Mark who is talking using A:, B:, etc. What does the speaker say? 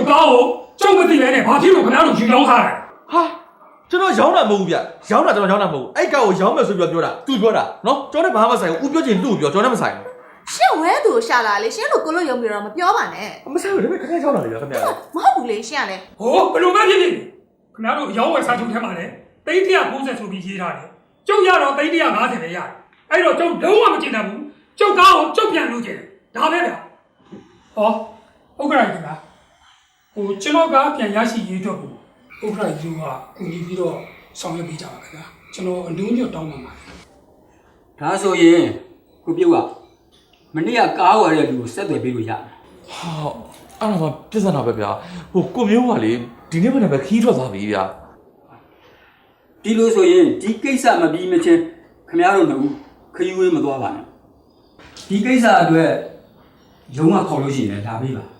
A: 高就不对的，把铁路可能都去摇下来。
B: 哈，这都摇那么边，摇那这摇那么，哎，搞我摇没随便表的，对表的，喏，叫你爸爸晒，我表姐路表，叫你们晒。
C: 先歪头下来了，先路过了有没有人标完呢？
B: 没晒，这边肯定摇那里，肯定。
C: 没不嘞，先嘞。
A: 哦，不路半天的，可能都摇完三九天嘛嘞，第一天公司出比其他的，就压到第一天拿钱来压，哎咯，就龙王进来不，就搞就变路去，哪来的？哦，我过来一个，我今老个变也是一条路，我过来一个啊，我你比到上月比较个，今老牛肉当嘛嘛。
D: ဒါဆိုရင်ကိုပြုတ်ကမနေ့ကကားဝယ်တဲ့လူကိုဆက်သွယ်ပေးလို့ရတယ်
B: ဟာအဲ့ဒါမှပြဿနာပဲဗျာဟိုကိုမျိုးကလေဒီနေ့မနေ့ပဲခီးထွက်သွားပြီဗျာ
D: ဒီလိုဆိုရင်ဒီကိစ္စမပြီးမချင်းခင်ဗျားတို့တို့ခရီးဝေးမသွားပါနဲ့ဒီကိစ္စအတွက်ရုံးကခေါ်လို့ရှိရင်လည်းဒါပေးပါ